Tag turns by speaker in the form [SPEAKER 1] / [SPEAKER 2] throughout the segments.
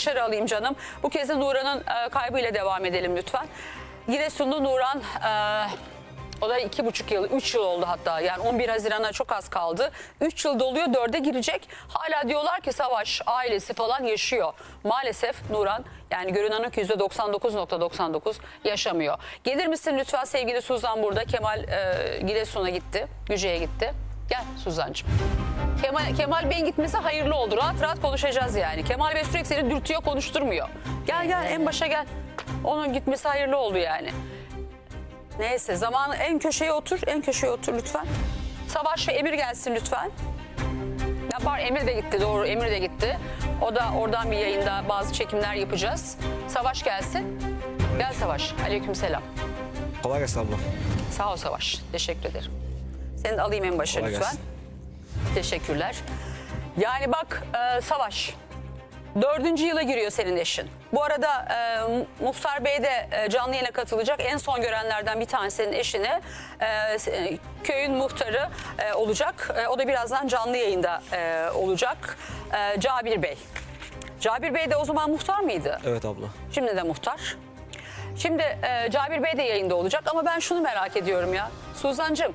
[SPEAKER 1] dışarı alayım canım. Bu kez de Nuran'ın kaybıyla devam edelim lütfen. Giresunlu Nuran, o da 2,5 yıl, 3 yıl oldu hatta. Yani 11 Haziran'a çok az kaldı. 3 yıl doluyor, 4'e girecek. Hala diyorlar ki Savaş ailesi falan yaşıyor. Maalesef Nuran, yani görünen o ki %99,99 yaşamıyor. Gelir misin lütfen sevgili Suzan burada. Kemal Giresun'a gitti, Güce'ye gitti. Gel Suzan'cığım. Kemal Bey'in gitmesi hayırlı oldu. Rahat rahat konuşacağız yani. Kemal Bey sürekli seni dürtüyor, konuşturmuyor. Gel en başa gel. Onun gitmesi hayırlı oldu yani. Neyse zaman en köşeye otur lütfen. Savaş ve Emir gelsin lütfen. Yapar, Emir de gitti, doğru, Emir de gitti. O da oradan bir yayında bazı çekimler yapacağız. Savaş gelsin. Gel Savaş. Aleykümselam.
[SPEAKER 2] Kolay gelsin abla.
[SPEAKER 1] Sağ ol Savaş. Teşekkür ederim. Seni de alayım en başa
[SPEAKER 2] Kolay
[SPEAKER 1] lütfen.
[SPEAKER 2] gelsin.
[SPEAKER 1] Teşekkürler. Yani bak Savaş, 4. yıla giriyor senin eşin. Bu arada Muhtar Bey de canlı yayına katılacak. En son görenlerden bir tanesi senin eşini. Köyün muhtarı olacak. O da birazdan canlı yayında olacak. Cabir Bey. Cabir Bey de o zaman muhtar mıydı?
[SPEAKER 2] Evet abla.
[SPEAKER 1] Şimdi de muhtar. Şimdi Cabir Bey de yayında olacak ama ben şunu merak ediyorum ya. Suzan'cığım,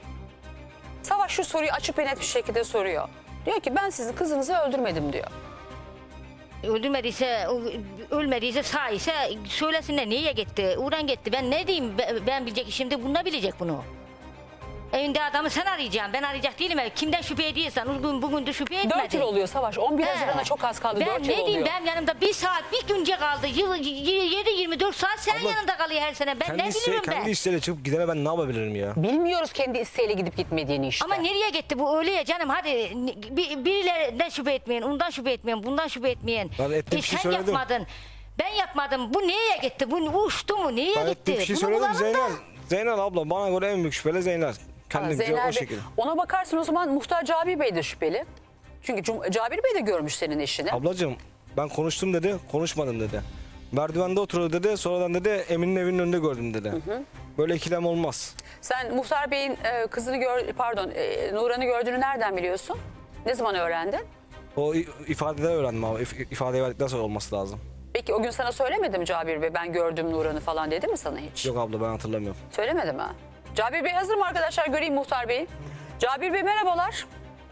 [SPEAKER 1] Savaş şu soruyu açık ve net bir şekilde soruyor. Diyor ki ben sizin kızınızı öldürmedim diyor.
[SPEAKER 3] Öldürmediyse, ölmediyse, sağ ise söylesinler niye gitti, uğran gitti. Ben ne diyeyim, ben bilecek, şimdi bununla bilecek bunu. Evinde adamı sen arayacaksın, ben arayacak değilim. Kimden şüphe ediyorsan, bugün de şüphe etmedi.
[SPEAKER 1] 4 yıl oluyor Savaş. 11 Haziran'a çok az kaldı. 4 yıl oluyor.
[SPEAKER 3] Ben ne diyeyim, ben yanımda bir saat, bir günce kaldı. 7-24 saat sen
[SPEAKER 2] Abla,
[SPEAKER 3] yanında kalıyor her sene. Ben ne bilirim ben.
[SPEAKER 2] Kendi isteğiyle çıkıp gidene ben ne yapabilirim ya?
[SPEAKER 1] Bilmiyoruz kendi isteğiyle gidip gitmediğini işte.
[SPEAKER 3] Ama nereye gitti bu öyle ya canım, hadi birilerinden şüphe etmeyin, ondan şüphe etmeyin, bundan şüphe etmeyin.
[SPEAKER 2] Ben ettiğim bir şey
[SPEAKER 3] sen
[SPEAKER 2] söyledim.
[SPEAKER 3] yapmadın, ben yapmadım, bu nereye gitti, bu uçtu mu, nereye
[SPEAKER 2] Ben
[SPEAKER 3] gitti?
[SPEAKER 2] ettiğim bir şey
[SPEAKER 3] Bunu
[SPEAKER 2] söyledim
[SPEAKER 3] bulalım da.
[SPEAKER 2] Zeynel abla bana göre en büyük şüpheli Zeynel. Kendince
[SPEAKER 1] Zeynel
[SPEAKER 2] o
[SPEAKER 1] Bey,
[SPEAKER 2] şekilde.
[SPEAKER 1] ona bakarsın o zaman Muhtar Cabir Bey de şüpheli. Çünkü Cabir Bey de görmüş senin eşini.
[SPEAKER 2] Ablacığım ben konuştum dedi, konuşmadım dedi. Merdivende oturuyor dedi, sonradan dedi Emin'in evinin önünde gördüm dedi. Böyle ikilem olmaz.
[SPEAKER 1] Sen Muhtar Bey'in kızını Nuran'ı gördüğünü nereden biliyorsun? Ne zaman öğrendin?
[SPEAKER 2] O ifadede öğrendim abi. İfadeyi verdikten sonra olması lazım.
[SPEAKER 1] Peki o gün sana söylemedi mi Cabir Bey? Ben gördüm Nuran'ı falan dedi mi sana hiç?
[SPEAKER 2] Yok abla ben hatırlamıyorum.
[SPEAKER 1] Söylemedi mi? Cabir Bey hazır mı arkadaşlar? Göreyim Muhtar Bey'i. Cabir Bey merhabalar.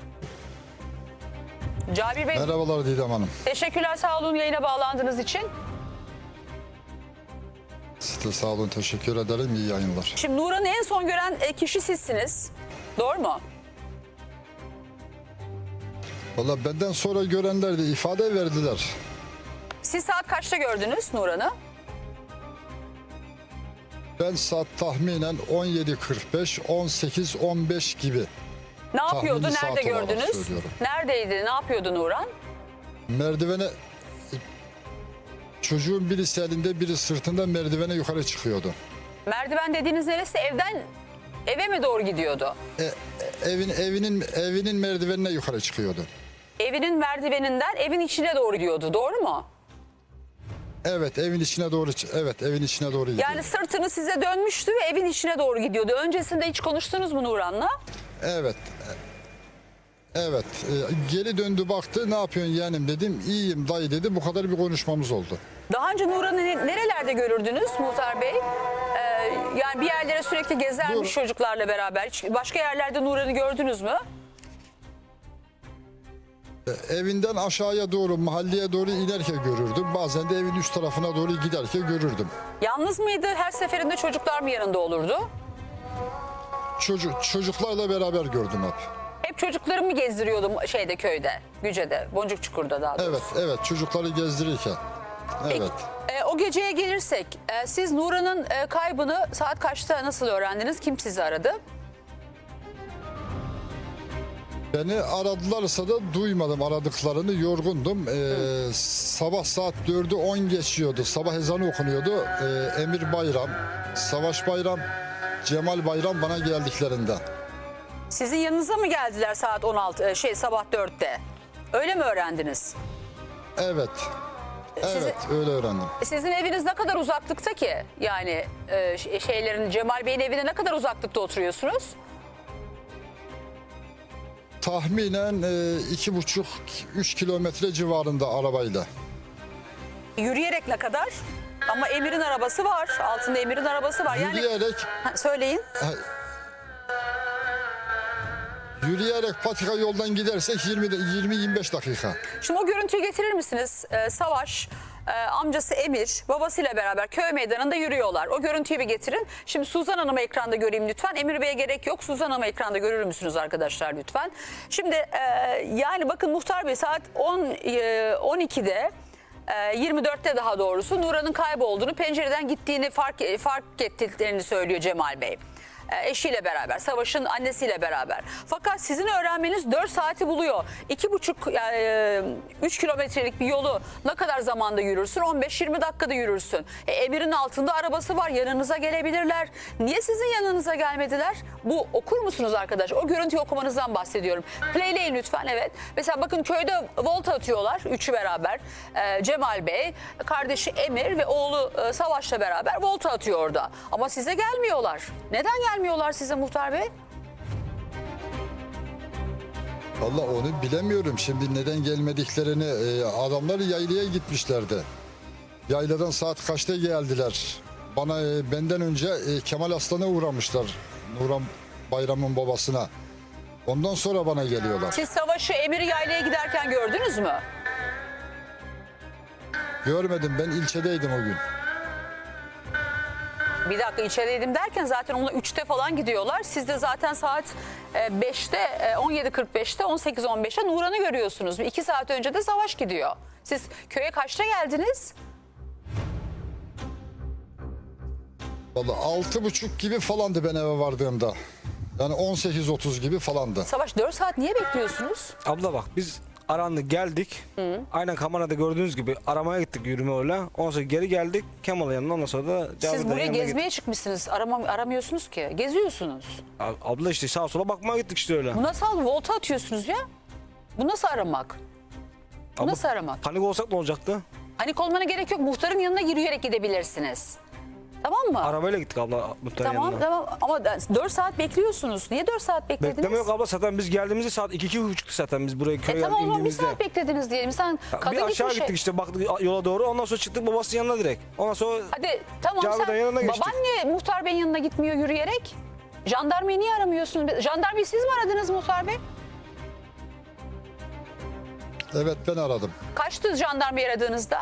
[SPEAKER 1] Cabir Bey
[SPEAKER 4] Merhabalar Didem Hanım.
[SPEAKER 1] teşekkürler, sağ olun yayına bağlandığınız için.
[SPEAKER 4] Siz de sağ olun, teşekkür ederim. İyi yayınlar.
[SPEAKER 1] Şimdi Nuran'ı en son gören kişi sizsiniz. Doğru mu?
[SPEAKER 4] Valla benden sonra görenler de ifade verdiler.
[SPEAKER 1] Siz saat kaçta gördünüz Nuran'ı?
[SPEAKER 4] Ben saat tahminen 17.45, 18-15 gibi.
[SPEAKER 1] Ne yapıyordu?
[SPEAKER 4] Tahmini
[SPEAKER 1] Nerede
[SPEAKER 4] saat olarak
[SPEAKER 1] gördünüz?
[SPEAKER 4] söylüyorum.
[SPEAKER 1] Neredeydi? Ne yapıyordu Nuran?
[SPEAKER 4] Merdivene, çocuğun birisi elinde biri sırtında merdivene yukarı çıkıyordu.
[SPEAKER 1] Merdiven dediğiniz neresi? Eve mi doğru gidiyordu?
[SPEAKER 4] Evinin merdivenine yukarı çıkıyordu.
[SPEAKER 1] Evinin merdiveninden evin içine doğru gidiyordu. Doğru mu?
[SPEAKER 4] Evet, evin içine doğru gidiyordu.
[SPEAKER 1] Yani sırtını size dönmüştü ve evin içine doğru gidiyordu. Öncesinde hiç konuştunuz mu Nuran'la?
[SPEAKER 4] Evet. Evet. Geri döndü baktı. Ne yapıyorsun yeğenim dedim. İyiyim dayı dedi. Bu kadar bir konuşmamız oldu.
[SPEAKER 1] Daha önce Nuran'ı nerelerde görürdünüz Muhtar Bey? Yani bir yerlere sürekli gezermiş çocuklarla beraber. Hiç başka yerlerde Nuran'ı gördünüz mü?
[SPEAKER 4] Evinden aşağıya doğru, mahalleye doğru inerken görürdüm. Bazen de evin üst tarafına doğru giderken görürdüm.
[SPEAKER 1] Yalnız mıydı? Her seferinde çocuklar mı yanında olurdu?
[SPEAKER 4] Çocuklarla beraber gördüm hep.
[SPEAKER 1] Hep çocukları mı gezdiriyordu köyde, Güce'de, Boncukçukur'da daha doğrusu?
[SPEAKER 4] Evet, çocukları gezdirirken. Evet.
[SPEAKER 1] Peki, o geceye gelirsek, siz Nuran'ın kaybını saat kaçta nasıl öğrendiniz? Kim sizi aradı?
[SPEAKER 4] Beni aradılarsa da duymadım aradıklarını, yorgundum. Sabah saat 4'ü 10 geçiyordu. Sabah ezanı okunuyordu. Emir Bayram, Savaş Bayram, Cemal Bayram bana geldiklerinde.
[SPEAKER 1] Sizin yanınıza mı geldiler saat sabah 4'te? Öyle mi öğrendiniz?
[SPEAKER 4] Evet. Evet, öyle öğrendim.
[SPEAKER 1] Sizin eviniz ne kadar uzaklıkta ki? Yani Cemal Bey'in evine ne kadar uzaklıkta oturuyorsunuz?
[SPEAKER 4] Tahminen 2,5-3 kilometre civarında arabayla.
[SPEAKER 1] Yürüyerek ne kadar? Ama Emir'in arabası var. Altında Emir'in arabası var. Yani
[SPEAKER 4] Yürüyerek
[SPEAKER 1] söyleyin.
[SPEAKER 4] Yürüyerek patika yoldan gidersek 20-25 dakika.
[SPEAKER 1] Şimdi o görüntüyü getirir misiniz? Savaş, amcası Emir, babasıyla beraber köy meydanında yürüyorlar. O görüntüyü bir getirin. Şimdi Suzan Hanım'ı ekranda göreyim lütfen. Emir Bey'e gerek yok. Suzan Hanım'ı ekranda görür müsünüz arkadaşlar lütfen? Şimdi yani bakın Muhtar Bey saat 12'de 24'te daha doğrusu Nuran'ın kaybolduğunu, pencereden gittiğini fark ettiklerini söylüyor Cemal Bey. Eşiyle beraber, Savaş'ın annesiyle beraber. Fakat sizin öğrenmeniz 4 saati buluyor. 3 kilometrelik bir yolu ne kadar zamanda yürürsün? 15-20 dakikada yürürsün. Emir'in altında arabası var, yanınıza gelebilirler. Niye sizin yanınıza gelmediler? Bu okur musunuz arkadaş? O görüntüyü okumanızdan bahsediyorum. Playleyin lütfen, evet. Mesela bakın köyde volta atıyorlar, üçü beraber. Cemal Bey, kardeşi Emir ve oğlu Savaş'la beraber volta atıyor orada. Ama size gelmiyorlar. Neden gelmiyorlar size Muhtar Bey?
[SPEAKER 4] Vallahi onu bilemiyorum. Şimdi neden gelmediklerini, adamlar yaylaya gitmişlerdi. Yayladan saat kaçta geldiler? Benden önce Kemal Aslan'a uğramışlar. Nuran Bayram'ın babasına. Ondan sonra bana geliyorlar.
[SPEAKER 1] Siz Savaş'ı, Emir'i yaylaya giderken gördünüz mü?
[SPEAKER 4] Görmedim, ben ilçedeydim o gün.
[SPEAKER 1] Bir dakika, içerideydim derken zaten onunla 3'te falan gidiyorlar. Siz de zaten saat 5'te, 17.45'te, 18.15'te Nuran'ı görüyorsunuz. 2 saat önce de Savaş gidiyor. Siz köye kaçta geldiniz?
[SPEAKER 4] Vallahi 6.30 gibi falandı ben eve vardığımda. Yani 18.30 gibi falandı.
[SPEAKER 1] Savaş 4 saat niye bekliyorsunuz?
[SPEAKER 2] Abla bak biz arandık geldik. Aynen kamerada gördüğünüz gibi aramaya gittik yürüme öyle. Ondan sonra geri geldik Kemal'ın yanına, ondan sonra da
[SPEAKER 1] Siz
[SPEAKER 2] Cavidan'ın
[SPEAKER 1] buraya
[SPEAKER 2] yanına
[SPEAKER 1] gezmeye çıkmışsınız. Aramıyorsunuz ki. Geziyorsunuz.
[SPEAKER 2] gittik. Abla işte sağa sola bakmaya gittik işte öyle.
[SPEAKER 1] Bu nasıl volta atıyorsunuz ya? Bu nasıl aramak? Bu
[SPEAKER 2] Abla,
[SPEAKER 1] nasıl aramak?
[SPEAKER 2] panik olsak ne olacaktı?
[SPEAKER 1] Panik olmana gerek yok. Muhtarın yanına yürüyerek gidebilirsiniz. Tamam mı?
[SPEAKER 2] Arabayla gittik abla muhtarın
[SPEAKER 1] Tamam
[SPEAKER 2] yanına.
[SPEAKER 1] tamam ama 4 saat bekliyorsunuz. Niye 4 saat beklediniz?
[SPEAKER 2] Bekleme yok abla, zaten biz geldiğimizde saat 2-2.30'tu zaten biz buraya köye
[SPEAKER 1] Tamam o zaman bir
[SPEAKER 2] indiğimizde.
[SPEAKER 1] saat beklediniz diyelim. Sen kadın
[SPEAKER 2] Bir aşağı
[SPEAKER 1] gitmiş.
[SPEAKER 2] gittik işte, baktık yola doğru, ondan sonra çıktık babasının yanına direkt. Ondan sonra
[SPEAKER 1] Hadi tamam
[SPEAKER 2] Cavidan
[SPEAKER 1] sen
[SPEAKER 2] yanına geçtik.
[SPEAKER 1] baban niye Muhtar Bey'in yanına gitmiyor yürüyerek? Jandarmayı niye aramıyorsun? Jandarmayı siz mi aradınız Muhtar Bey?
[SPEAKER 4] Evet, ben aradım.
[SPEAKER 1] Kaçtı jandarmayı aradığınızda?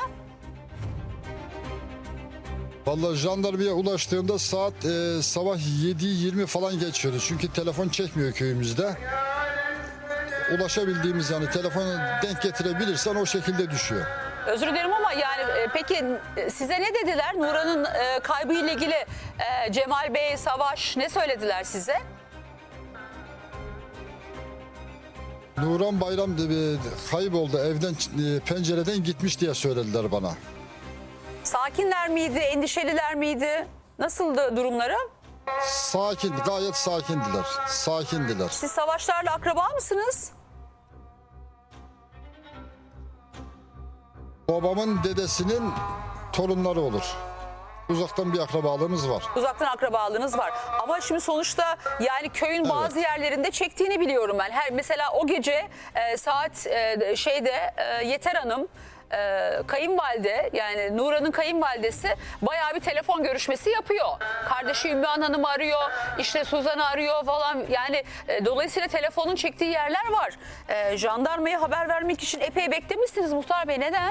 [SPEAKER 4] Vallahi jandarmaya ulaştığımda saat sabah 7:20 falan geçiyordu. Çünkü telefon çekmiyor köyümüzde. Ulaşabildiğimiz, yani telefonu denk getirebilirsen o şekilde düşüyor.
[SPEAKER 1] Özür dilerim ama yani peki size ne dediler? Nuran'ın kaybıyla ilgili Cemal Bey, Savaş ne söylediler size?
[SPEAKER 4] Nuran Bayram kayboldu, evden pencereden gitmiş diye söylediler bana.
[SPEAKER 1] Sakinler miydi, endişeliler miydi? Nasıldı durumları?
[SPEAKER 4] Sakin, gayet sakindiler. Sakindiler.
[SPEAKER 1] Siz Savaşlarla akraba mısınız?
[SPEAKER 4] Babamın dedesinin torunları olur. Uzaktan bir akrabalığımız var.
[SPEAKER 1] Uzaktan akrabalığınız var. Ama şimdi sonuçta yani köyün bazı yerlerinde çektiğini biliyorum ben. Mesela o gece saat Yeter Hanım kayınvalide, yani Nuran'ın kayınvalidesi bayağı bir telefon görüşmesi yapıyor. Kardeşi Ümmühan Hanım'ı arıyor, işte Suzan'ı arıyor falan. Yani dolayısıyla telefonun çektiği yerler var. Jandarmaya haber vermek için epey beklemişsiniz Muhtar Bey. Neden?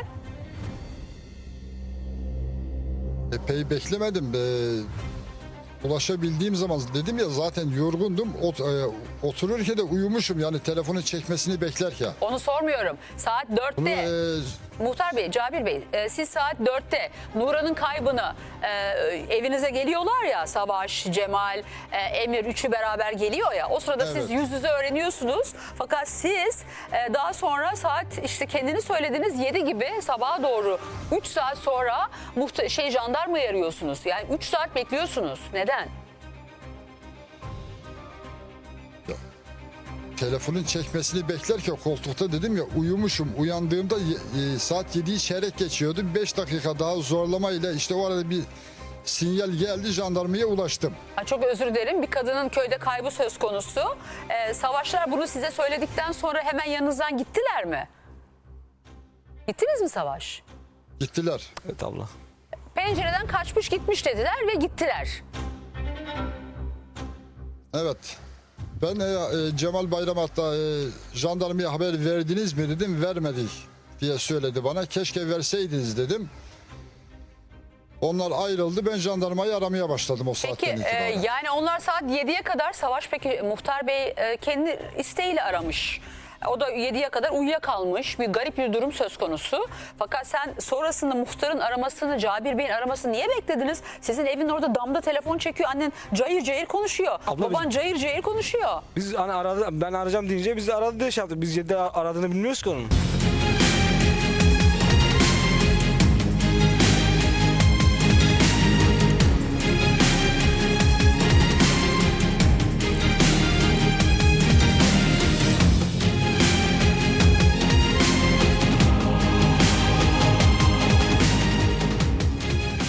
[SPEAKER 4] Epey beklemedim. Ulaşabildiğim zaman, dedim ya zaten yorgundum. Otururken de uyumuşum, yani telefonu çekmesini beklerken.
[SPEAKER 1] Onu sormuyorum. Saat 4'te Muhtar Bey, Cabir Bey, siz saat 4'te Nuran'ın kaybını evinize geliyorlar ya, Savaş, Cemal, Emir üçü beraber geliyor ya. O sırada siz yüz yüze öğreniyorsunuz. Fakat siz daha sonra saat işte kendini söylediğiniz 7 gibi sabaha doğru 3 saat sonra jandarmayı arıyorsunuz. Yani 3 saat bekliyorsunuz. Neden?
[SPEAKER 4] Telefonun çekmesini beklerken koltukta, dedim ya, uyumuşum. Uyandığımda saat 7'yi çeyrek geçiyordu. 5 dakika daha zorlamayla işte o arada bir sinyal geldi, jandarmaya ulaştım.
[SPEAKER 1] Çok özür dilerim. Bir kadının köyde kaybı söz konusu. Savaşlar bunu size söyledikten sonra hemen yanınızdan gittiler mi? Gittiniz mi Savaş?
[SPEAKER 4] Gittiler.
[SPEAKER 2] Evet abla.
[SPEAKER 1] Pencereden kaçmış gitmiş dediler ve gittiler.
[SPEAKER 4] Evet. Ben Cemal Bayram hatta jandarmaya haber verdiniz mi dedim. Vermedik diye söyledi bana. Keşke verseydiniz dedim. Onlar ayrıldı. Ben jandarmayı aramaya başladım o
[SPEAKER 1] Peki
[SPEAKER 4] saatten itibaren.
[SPEAKER 1] yani onlar saat 7'ye kadar Savaş peki Muhtar Bey kendi isteğiyle aramış. O da 7'ye kadar uyuyakalmış, bir garip bir durum söz konusu. Fakat sen sonrasında muhtarın aramasını, Cabir Bey'in aramasını niye beklediniz? Sizin evin orada damda telefon çekiyor, annen cayır cayır konuşuyor.
[SPEAKER 2] Abla
[SPEAKER 1] Baban cayır cayır konuşuyor.
[SPEAKER 2] Biz hani aradı, ben arayacağım deyince bizi aradı diye şey yaptık. Biz 7'de aradığını bilmiyoruz ki onun.